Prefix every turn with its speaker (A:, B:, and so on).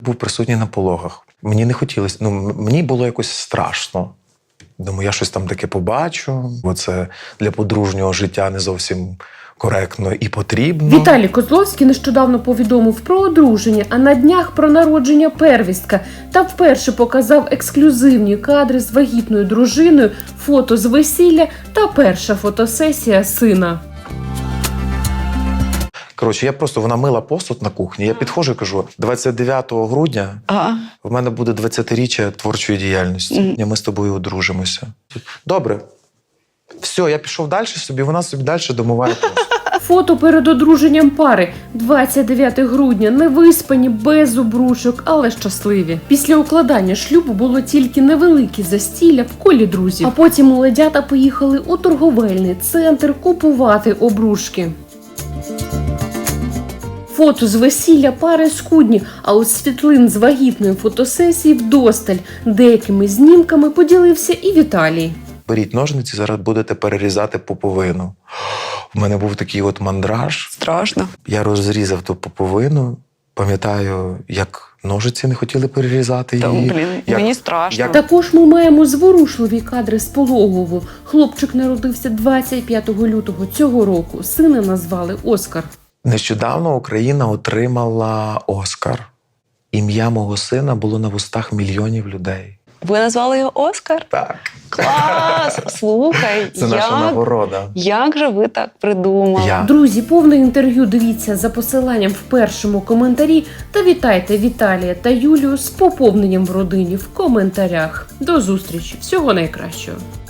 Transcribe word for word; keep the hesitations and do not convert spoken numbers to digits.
A: Був присутній на пологах. Мені не хотілося, ну, мені було якось страшно. Думаю, я щось там таке побачу, бо це для подружнього життя не зовсім коректно і потрібно.
B: Віталій Козловський нещодавно повідомив про одруження, а на днях про народження первістка. Та вперше показав ексклюзивні кадри з вагітною дружиною, фото з весілля та перша фотосесія сина.
A: Коротше, я просто, вона мила посуд на кухні, я підходжу і кажу, двадцять дев'ятого грудня
C: А.
A: в мене буде двадцятиріччя творчої діяльності. Mm. Ми з тобою одружимося. Добре. Все, я пішов далі собі, вона собі далі домиває посуд.
B: Фото перед одруженням пари. двадцять дев'яте грудня. Невиспані, без обручок, але щасливі. Після укладання шлюбу було тільки невелике застілля в колі друзів. А потім молодята поїхали у торговельний центр купувати обручки. Фото з весілля пари скудні, а от світлин з вагітної фотосесії вдосталь. Деякими знімками поділився і Віталій.
A: Беріть ножниці, зараз будете перерізати пуповину. У мене був такий от мандраж.
C: Страшно.
A: Я розрізав ту пуповину. Пам'ятаю, як ножиці не хотіли перерізати
C: Та,
A: її.
C: блін,
A: як,
C: мені страшно.
A: Як...
B: Також ми маємо зворушливі кадри з пологового. Хлопчик народився двадцять п'ятого лютого цього року. Сина назвали Оскар.
A: Нещодавно Україна отримала Оскар. Ім'я мого сина було на вустах мільйонів людей.
C: Ви назвали його Оскар?
A: Так.
C: Клас! Слухай,
A: Це наша
C: як,
A: нагорода.
C: як же ви так придумали?
A: Я.
B: Друзі, повне інтерв'ю дивіться за посиланням в першому коментарі та вітайте Віталія та Юлію з поповненням в родині в коментарях. До зустрічі! Всього найкращого!